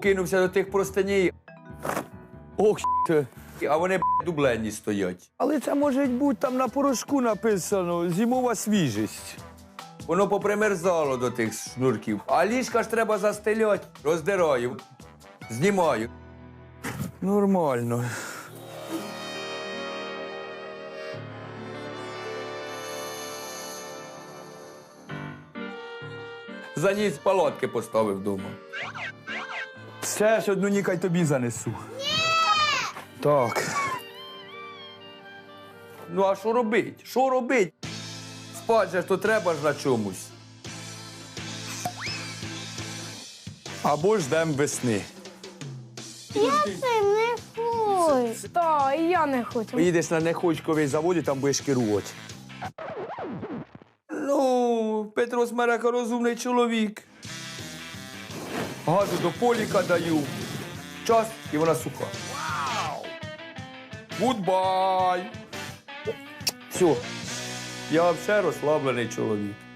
кинувся до тих простиней. Ох, а вони дублені стоять. Але це може бути там на порошку написано «зимова свіжість». Воно попримерзало до тих шнурків. А ліжка ж треба застеляти. Роздираю, знімаю. Нормально. Заніс палатки поставив вдома. Ще ж одну нікай тобі занесу. Ні! Так. Ну, а що робить? Що робить? Спать же ж то треба ж на чомусь. Або ждем весни. Я це не хочу. Та, і я не хочу. Поїдеш на Нехочковий завод і там будеш керувати. Ну, Петро Смерека розумний чоловік. Газу до поліка даю. Час, і вона суха. Вау! Гудбай! Все. Я взагалі розслаблений чоловік.